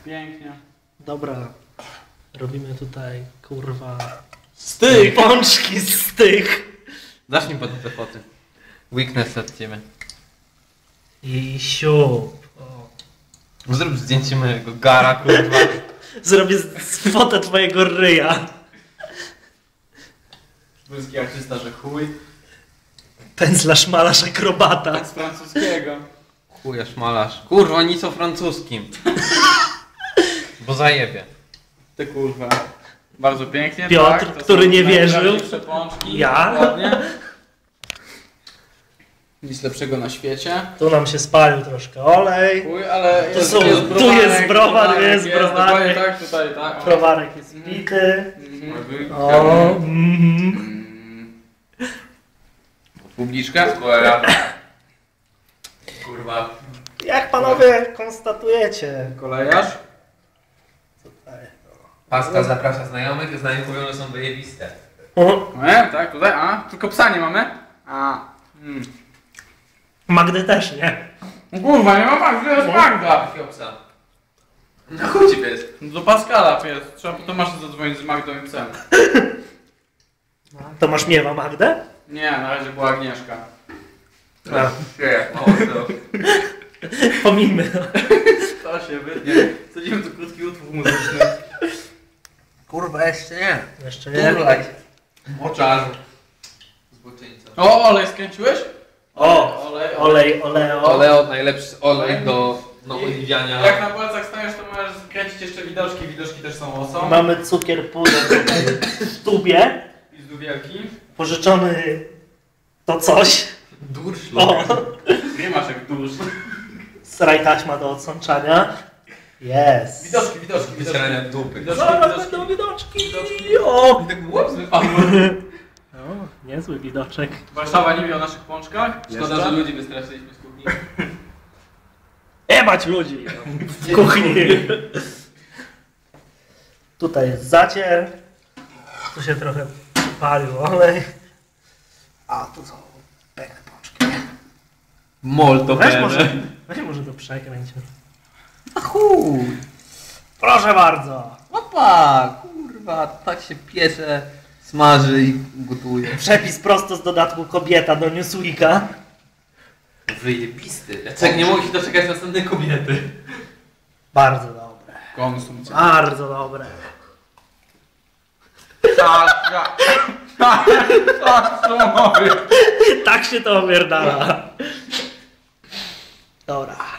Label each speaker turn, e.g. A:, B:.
A: Pięknie.
B: Dobra. Robimy tutaj, kurwa...
A: Z tych!
B: Pączki z tych!
C: Zacznij potem te foty. Weakness od ciebie.
B: I siup. O.
C: Zrób zdjęcie mojego gara, kurwa.
B: Zrobię fotę twojego ryja.
A: Polski artysta, że chuj.
B: Pędzlarz, malarz, akrobata.
A: Z francuskiego.
C: Chujesz malarz. Kurwa, nic o francuskim. Bo zajebie.
A: Ty kurwa. Bardzo pięknie,
B: Piotr,
A: tak? To
B: który
A: są
B: nie wierzył.
A: najprawdziwsze pączki.
B: Ja?
A: Dokładnie. Nic lepszego na świecie.
B: Tu nam się spalił troszkę olej.
A: Chuj, ale
B: Tu
A: jest,
B: są-
A: jest
B: tu
A: browarek,
B: jest browar, jest browarek.
A: Dokładnie tak, tutaj, tak. O.
B: Browarek jest pity.
A: Mhm.
B: O,
A: Publiczka?
C: Kurwa.
B: Jak panowie konstatujecie?
A: Kolejarz?
C: Pascal zaprasza znajomych, znajomi mówią, że są wyjebiste.
B: O,
A: Tak, tutaj, tylko psa nie mamy?
B: Magdy też nie.
A: No kurwa, nie ma Magdy, jest Magda!
C: Jakiego psa? Na chuj ci pies.
A: No do Pascala pies, trzeba po Tomasza zadzwonić z Magdą i psem.
B: To masz miewa Magdę?
A: Nie, na razie była Agnieszka.
B: A,
C: Nie, mocno.
B: pomijmy.
A: To się wytnie. Wsadzimy tu krótki utwór muzyczny.
C: Kurwa, jeszcze nie.
B: Jeszcze nie.
C: Turlaj. Moczarzu. Zboczyńca.
A: O, olej skręciłeś?
B: O,
A: olej.
B: oleo.
C: Oleo, najlepszy olej do oliwiania.
A: Jak na palcach stajesz, to możesz skręcić jeszcze widoczki. Widoczki też są osą.
B: Mamy cukier puder tutaj w tubie.
A: I z dubielki.
B: Pożyczony to coś.
C: Durszlok.
B: O,
A: Nie masz jak dusz.
B: straj taśma do odsączania. Jest.
A: Widoczki.
C: Wycierania dupy.
B: Zaraz będą widoczki. O,
C: I tak łeb wypadł.
B: o, niezły widoczek.
A: Warszawa nie wie o naszych pączkach.
C: Szkoda, że ludzi wystraszyliśmy z kuchni.
B: Jebać ludzi w kuchni. Tutaj jest zacier. Tu się trochę palił olej. A tu są piękne pączki.
C: Molto
B: Weź może to przekręć.
C: A chuj.
B: Proszę bardzo.
C: Opa, kurwa, tak się piecze, smaży i gotuje.
B: Przepis prosto z dodatku kobieta do Newsweeka.
C: Wyjebisty. Jacek nie mogę się doczekać następnej kobiety.
B: Bardzo dobre.
A: Konsumpcja.
B: Bardzo dobre.
A: Tak, co mówię.
B: Tak się to opierdala. Dobra.